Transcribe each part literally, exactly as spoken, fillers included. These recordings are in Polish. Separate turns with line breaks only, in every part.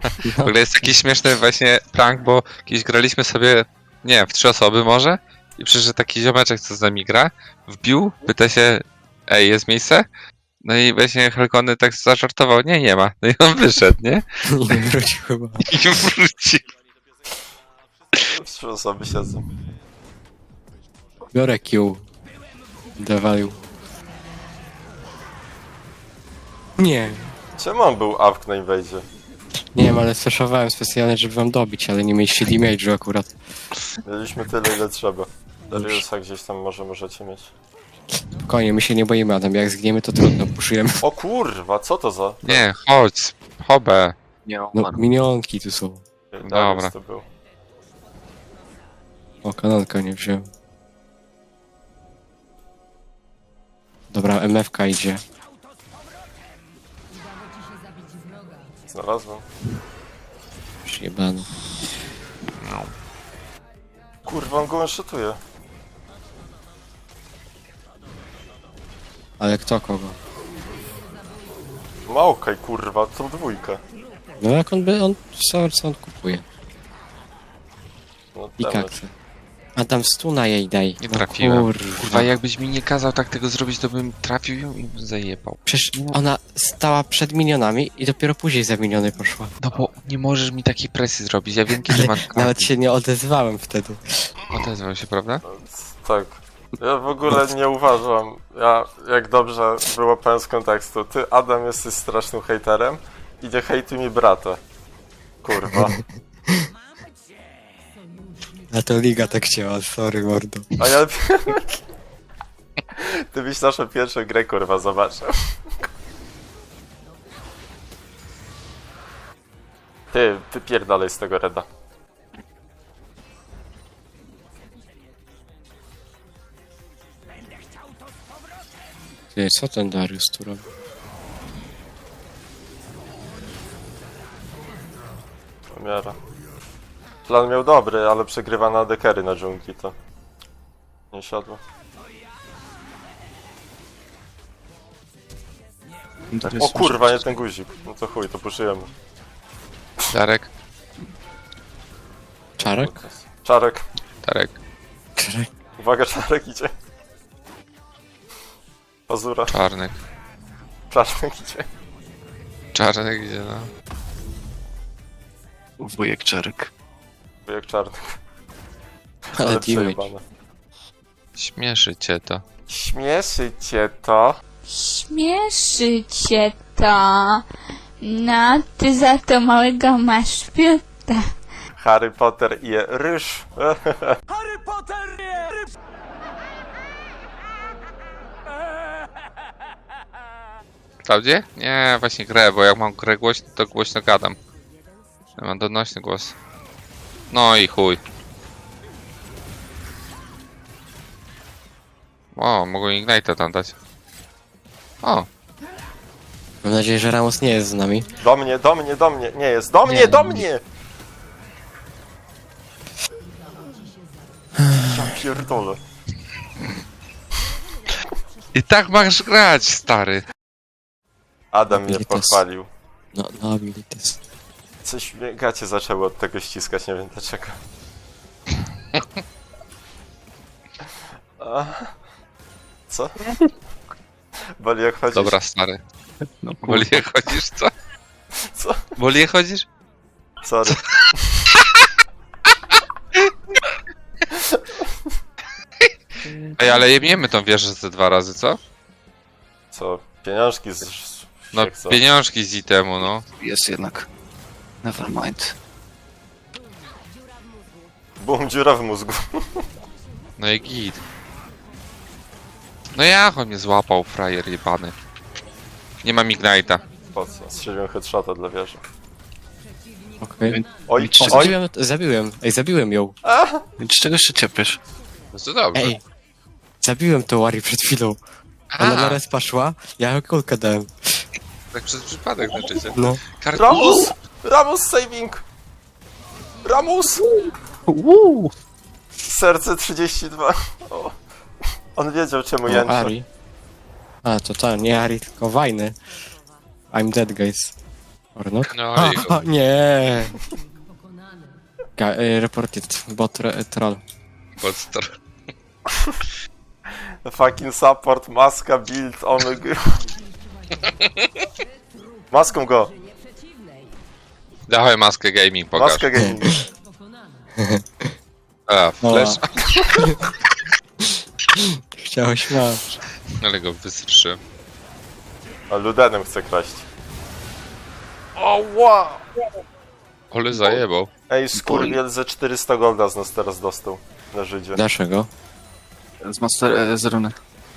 W ogóle jest taki śmieszny właśnie prank, bo kiedyś graliśmy sobie, nie wiem, w trzy osoby może i przyszedł taki ziomeczek, co z nami gra, wbił, pyta się, ej, jest miejsce? No i właśnie Helkony tak zażartował, nie, nie ma. No i on wyszedł, nie?
Nie wrócił chyba.
I wrócił.
Trzy osoby siedzą.
Biorę Q. Dawalił. Nie.
Czemu on był awk na inwejdzie?
Nie wiem, ale flashowałem specjalnie, żeby wam dobić, ale nie mieliście damage'u akurat.
Mieliśmy tyle, ile trzeba. Dariusa gdzieś tam może możecie mieć.
Spokojnie, my się nie boimy, Adam. Jak zgniemy, to trudno, puszujemy.
O kurwa, co to za...
Nie, chodź, hobę.
Nie
No,
umarł.
minionki tu są.
Darius
Dobra.
to był.
O, kanonka nie wziąłem. Dobra, M F K idzie.
Znalazłem.
Przyjebany.
Kurwa, on go one-shotuje.
Ale kto kogo?
Małkaj, kurwa, tą dwójkę.
No jak on by, on co, co on kupuje?
No,
I
damage.
kaksy. A tam stuna jej daj.
Nie
No
trafiłem.
kurwa.
Kurwa, jakbyś mi nie kazał tak tego zrobić, to bym trafił ją i bym zajebał.
Przecież ona stała przed minionami i dopiero później za miniony poszła.
No bo nie możesz mi takiej presji zrobić, ja wiem kiedy
Ale
mam...
nawet się nie odezwałem wtedy.
Odezwał się, prawda?
Tak. Ja w ogóle nie uważam, ja jak dobrze wyłapałem z kontekstu, ty Adam jesteś strasznym hejterem i nie hejtuj mi brata. Kurwa.
A to liga tak chciała, sorry mordo.
A ja... Ty byś naszą pierwszą grę kurwa zobaczył. Ty, wypierdalaj z tego reda.
Ty, co ten Darius tu robi?
Miara. Plan miał dobry, ale przegrywa na dekery na dżungli, to... Nie siadło.
Darius
O kurwa, nie ten guzik. No to chuj, to puszyjemy.
Darek,
Czarek?
Czarek.
Darek,
Czarek?
Uwaga, Czarek idzie. Pazura.
Czarnek.
Czarek idzie.
Czarnek idzie, no.
Wujek Czarek.
Jak czarny.
Ale damage.
przejebane.
Śmieszy cię to.
Śmieszy cię to.
Śmieszy cię to. No, ty za to małego masz piuta.
Harry Potter je ryż.
Klaudzie? Nie, właśnie grę, bo jak mam grę głośno, to głośno gadam. Ja mam donośny głos. No i chuj. O, mogą Ignite'a tam dać. O,
Mam nadzieję, że Ramos nie jest z nami.
Do mnie, do mnie, do mnie. Nie jest. Do mnie,
Nie.
do mnie! Ja pierdolę.
i tak masz grać, stary.
Adam mnie
Abilitas.
pochwalił.
No, no abilities.
Coś mnie gacie zaczęły od tego ściskać, nie wiem dlaczego. A? Co? Boli jak chodzisz?
Dobra, stary.
No
Woli jak chodzisz, co?
Co?
Woli jak chodzisz?
Sorry.
Ej, ale jebniemy tą wieżę ze dwa razy, co?
Co? Pieniążki z...
No,
jak co?
pieniążki z itemu, no.
Jest jednak. Nevermind.
Bum, dziura w mózgu.
No i git. No jak on mnie złapał, frajer jebany. Nie mam Ignite'a.
Po co? Strzeliłem headshota dla wieży.
Okej.
Oj,
Nic
O,
oj!
zabiłem, zabiłem. Ej, zabiłem ją.
Więc czego się ciepiesz?
No to dobrze.
Ej. Zabiłem tą Wari przed chwilą. Ona
A,
na res poszła, ja ją kulkę dałem.
tak przez przypadek znaczycie.
No.
Kar...
Ramus! Ramus saving! Ramus!
Uuu!
Serce trzydzieści dwa. O. On wiedział czemu
O,
jęczę.
Ari. A, to ta, nie Ari, tylko Wajny. I'm dead, guys. Or not?
No i go.
Nie! Ga y, reported, bot re troll.
Podstar.
Fucking support, maska, build, omega. Maską go!
Dawaj maskę gaming, pokaż.
Maskę gaming.
A, flash.
Chciałeś masz.
Ale go wystrzym.
A Ludenem chce kraść. O, wow!
Ole zajebał.
Ej, skurwiel ze czterysta golda z nas teraz dostał na Żydzie.
Dlaczego?
Z master... E, z runy.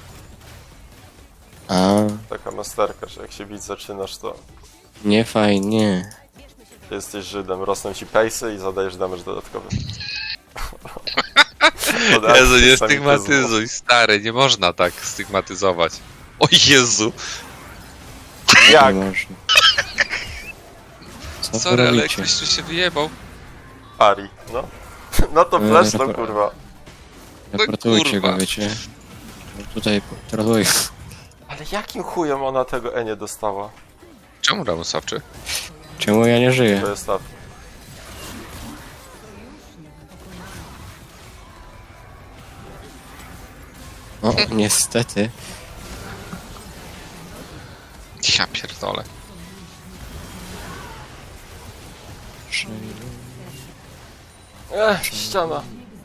A,
Taka masterka, że jak się bić zaczynasz, to
nie fajnie.
ty jesteś Żydem. Rosną ci pace'y i zadajesz damage dodatkowy. Od
Jezu, nie
antysemtyzmu.
stygmatyzuj, stary, nie można tak stygmatyzować. O Jezu!
Jak?
Nie można. Co wy
Sorry, ale
robicie?
ktoś tu się wyjebał.
Ari, no. No to
E,
flash to
rapor-
kurwa.
Reportujcie
kurwa.
go, wiecie. Tutaj troluję.
Ale jakim chujem ona tego E nie dostała?
Czemu Ramus sawczy?
Czemu ja nie żyję?
To jest tak.
O, niestety.
Ja pierdolę.
Ech, ściana.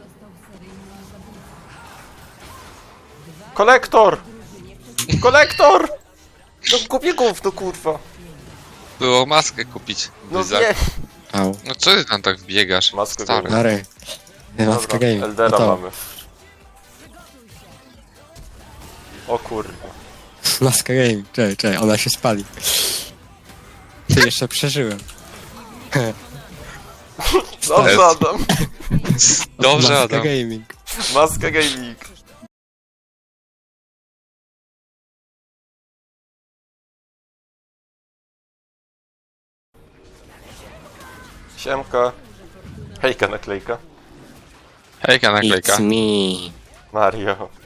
Kolektor! Kolektor! No kupię gówno, kurwa.
Było maskę kupić.
No
Wyzak.
nie.
Au.
No co ty tam tak biegasz?
Maskę
Stary.
Mary. Maska
Dobra,
game.
Eldera
Gotowa.
mamy. O kurwa.
Maska game. Czekaj, czekaj, ona się spali. Ty jeszcze przeżyłem.
Dobrze,
Jest.
Adam.
Dobrze,
Maska
Adam.
gaming.
Maska gaming. Siemka. Hejka naklejka.
Hejka naklejka.
It's me.
Mario.